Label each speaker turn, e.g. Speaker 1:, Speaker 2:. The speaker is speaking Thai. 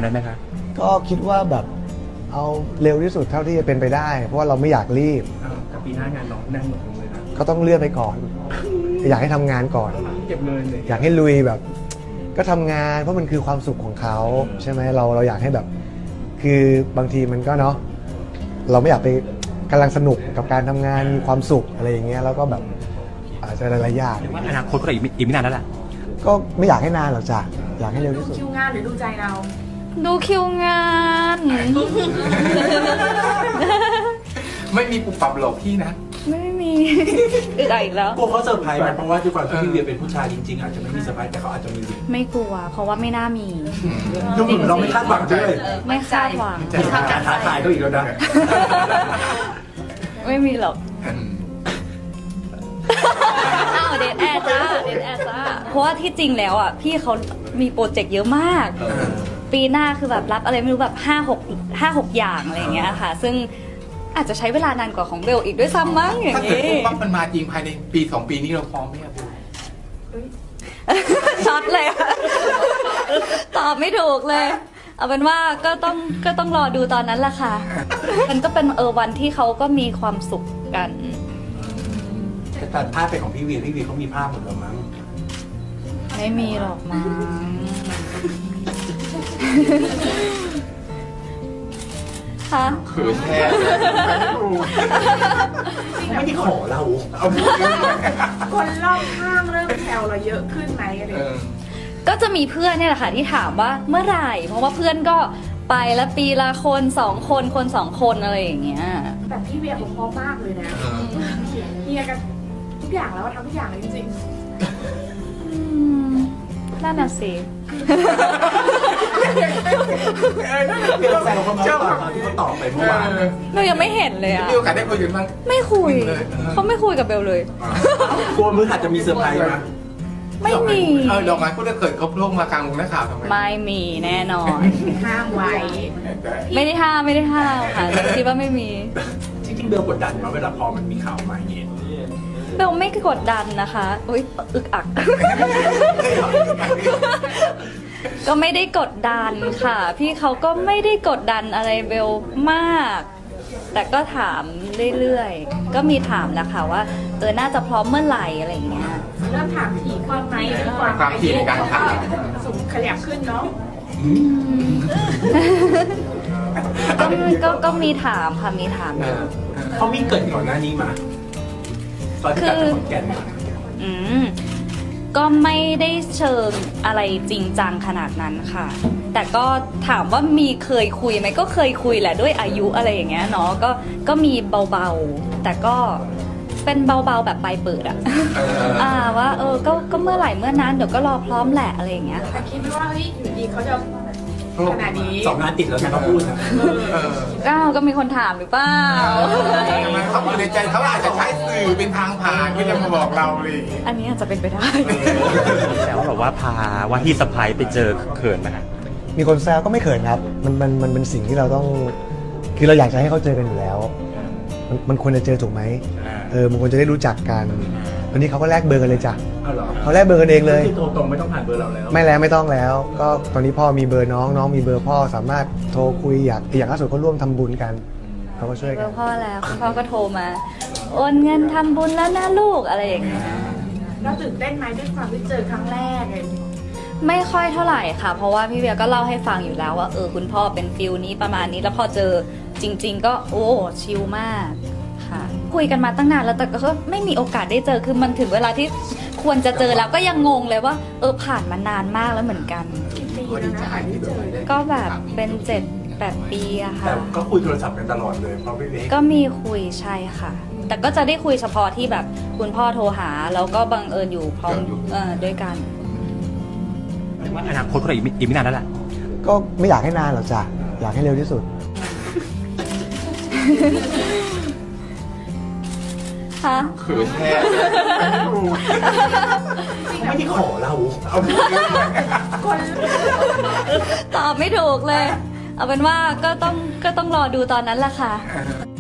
Speaker 1: ไหมคะ
Speaker 2: ก็คิดว่าแบบเอาเร็วที่สุดเท่าที่จะเป็นไปได้ เพราะว่าเราไม่อยากรีบ
Speaker 1: กับปีหน้างานน้องแน่นหมดเลยนะ
Speaker 2: ก็ต้องเลื่อนไปก่อน อยากให้ทำงานก่อน
Speaker 1: เก็บเงินเลย
Speaker 2: อยากให้ลุยแบบ ก็ทำงานเพราะมันคือความสุขของเขาใช่ไหมเราอยากให้แบบ คือบางทีมันก็เนาะเราไม่อยากไปกำลังสนุกกับการทำงานมีความสุขอะไรอย่างเงี้ยแล้วก็แบบอาจจะหลายๆอย่าง
Speaker 1: ว่าอนาคตก็อีกไม่นานแล้วแหละ
Speaker 2: ก็ไม่อยากให้นานหรอกจ้ะอยากให้เร็วที่สุด
Speaker 3: ดูคิวงานหรือดูใจเรา
Speaker 4: ดูคิวงาน
Speaker 5: ไม่มีปุบปับหลอกพี่นะ
Speaker 4: ไม่มีอึดอัดอีกแล้ว
Speaker 5: กลัวเขาเซอร์ไพรส์ไหมเพราะว่าด้วยความที่พี่เวียเป็นผู้ชายจริงๆอาจจะไม่มีเซอร์ไพรส์แต่เขาอาจจะมี
Speaker 4: ไม่กลัว เพราะว่าไม่น่ามี
Speaker 5: ดูเหมือนเราไม่คาดหวังด้วย
Speaker 4: ไม่คาดหวัง
Speaker 5: จะทำการท้าทายเขาอีกแล้วนะ
Speaker 4: ไม่มีหรอกอ้าวเดทแอร์จ้าเดทแอร์จ้าเพราะว่าที่จริงแล้วอ่ะพี่เขามีโปรเจกต์เยอะมาก ปีหน้าคือแบบรับอะไรไม่รู้แบบ5-6 อย่างอะไรอย่างเงี้ยค่ะ ซึ่งอาจจะใช้เวลานานกว่าของเบลอีกด้วยซ้ำมั้งอย่าง
Speaker 5: ถ้าเกิด
Speaker 4: งี้
Speaker 5: ปุ๊บปั๊บมันมาจริงภายในปี2 ปีนี้เราพร้อมไหมครับ
Speaker 4: ช็อตเลยอะตอบไม่ถูกเลย เอาเป็นว่าก็ต้องรอดูตอนนั้นแหละค่ะ มันก็เป็นวันที่เขาก็มีความสุขกัน
Speaker 5: แต่ภาพเป็นของพี่เวียเขามีภาพหมดแล้วมั้ง
Speaker 4: ไม่มีหรอกมั้งคะ
Speaker 5: เขินแทนไม่ได้ขอเราเอา
Speaker 3: คนรอบข้างเริ่มแซวเราเยอะขึ้นไหมอะไรอย่างเงี้ย
Speaker 4: ก็จะมีเพื่อนเนี่ยแหละค่ะที่ถามว่าเมื่อไหร่ เพราะว่าเพื่อนก็ไปแล้วปีละคน2 คน2 คนอะไรอย่างเงี้ย
Speaker 3: แต่พี่เวียเขาพร้อมมากเลยนะเฮียกันทุกอย่างแล้วทำทุกอย่างเลยจริง
Speaker 4: นั่นน่ะสิ
Speaker 5: เดี๋ยวแซวเขามาตอนที่เขาตอบไปเมื่อวาน
Speaker 4: เรายังไม่เห็นเลยอะ
Speaker 5: มีโอกาสได้คุยกันบ้าง
Speaker 4: ไม่คุย เขาไม่คุยกับเบลเลย
Speaker 5: กลัวมืออาจจะมีเซอร์ไพรส์ไหม
Speaker 4: ไม่มี
Speaker 5: ดอกไม้พูดเกิดเขาโล่งมากลางวงนักข่าวทำไม
Speaker 4: ไม่มีแน่นอน
Speaker 3: ๆห้ามไว้
Speaker 4: ไม่ได้ห้ามค่ะคิดว่าไม่มี
Speaker 5: จริงๆเบลกดดันมาเวลาพอมันมีข่าวมาอย่างนี้
Speaker 4: เบลไม่กดดันนะคะอุ๊ยอึกอัก ก็ไม่ได้กดดันค่ะ พี่เขาก็ไม่ได้กดดันอะไรเบลมาก แต่ก็ถามเรื่อยๆ ก็มีถามแหละค่ะว่าน่าจะพร้อมเมื่อไหร่อะไรอย่างเงี้ย
Speaker 3: เริ่มถามถี่ความไหมหรือความถี่ในการถามสูงขยับขึ้นเนาะ
Speaker 4: ก็มีถามค่ะมีถามอยู่
Speaker 5: เขามีเกิดก่อนหน้านี้มาตอนที่กลับจากขอนแก่นมา
Speaker 4: อืมก็ไม่ได้เชิงอะไรจริงจังขนาดนั้นค่ะ แต่ก็ถามว่ามีเคยคุยไหมก็เคยคุยแหละด้วยอายุอะไรอย่างเงี้ยเนาะก็มีเบาๆแต่ก็เป็นเบาๆแบบปลายเปิดอะว่าก็เมื่อไหร่เมื่อนั้นเดี๋ยวก็รอพร้อมแหละอะไรอย่างเงี้ย
Speaker 3: แต่คิดไม่ว่าเฮ้ยอยู่ดีเขาจะขนาดนี้
Speaker 5: 2 งานติดแล้วนะเขาพูดนะ
Speaker 4: ก็มีคนถามหรือเปล่า
Speaker 5: เขาอยู่ในใจเขาอาจจะใช้สื่อเป็นทางผ่านที่จะมาบอกเราเลย
Speaker 4: อันนี้อาจจะเป็นไปได้
Speaker 1: แต่ว่าแบบว่าพาว่าที่สะพายไปเจอเขินไหมฮะ
Speaker 2: มีคนแซวก็ไม่เขินครับมันเป็นสิ่งที่เราต้อง คือเราอยากจะให้เขาเจอกันอยู่แล้ว มันควรจะเจอถูกไหมมันควรจะได้รู้จักกันวันนี้เขาก็แลกเบอร์กันเลยจ้ะ
Speaker 5: เอาเหรอ
Speaker 2: เขาแลกเบอร์กันเองเลย
Speaker 5: คือโทรตรงไม่ต้องผ่านเบอร์เราแล้ว
Speaker 2: ไม่ต้องแล้ว ก็ตอนนี้พ่อมีเบอร์น้องมีเบอร์พ่อสามารถโทรคุยอย่างล่าสุดก็ร่วมทำบุญกันเขาก็ช่วย
Speaker 4: เบ
Speaker 2: กั
Speaker 4: อน ร์พ่อแล้วคุณพ่อก็โทรมาโอนเงินทำบุญแล้วนะลูกอะไรอย่างเงี้ย
Speaker 3: เราตื่นเต้นไหมด้วยความที่เจอครั้งแรกเลย
Speaker 4: ไม่ค่อยเท่าไหร่ค่ะ เพราะว่าพี่เบียร์ก็เล่าให้ฟังอยู่แล้วว่าคุณพ่อเป็นฟิลนี้ประมาณนี้แล้วพอเจอจริง ๆ ก็โอ้ชิลมากค่ะคุยกันมาตั้งนานแล้วแต่ก็ไม่มีโอกาสได้เจอคือมันถึงเวลาที่ควรจะเจอแล้วก็ยังงงเลยว่าผ่านมานานมากแล้วเหมือนกัน
Speaker 3: ปีแล้วนะไม่เจอเลย
Speaker 4: ก็แบบเป็น7-8 ปีอะค่ะ
Speaker 5: แต่ก็คุยโทรศัพท์กันตลอดเลยเพราะพี่เล็ก
Speaker 4: ก็มีคุยใช่ค่ะ แต่ก็จะได้คุยเฉพาะที่แบบคุณพ่อโทรหาแล้วก็บังเอิญอยู่พร้อมด้วยกัน
Speaker 1: ว่าอนาคตก็อีกไม่นานแล้วแหละ
Speaker 2: ก็ไม่อยากให้นานหรอกจ้ะอยากให้เร็วที่สุด
Speaker 4: ค่ะ
Speaker 5: เขินแทนไม่ได้ขอเราเอา
Speaker 3: คน
Speaker 4: ตอบไม่ถูกเลย เอาเป็นว่าก็ต้องรอดูตอนนั้นแหละค่ะ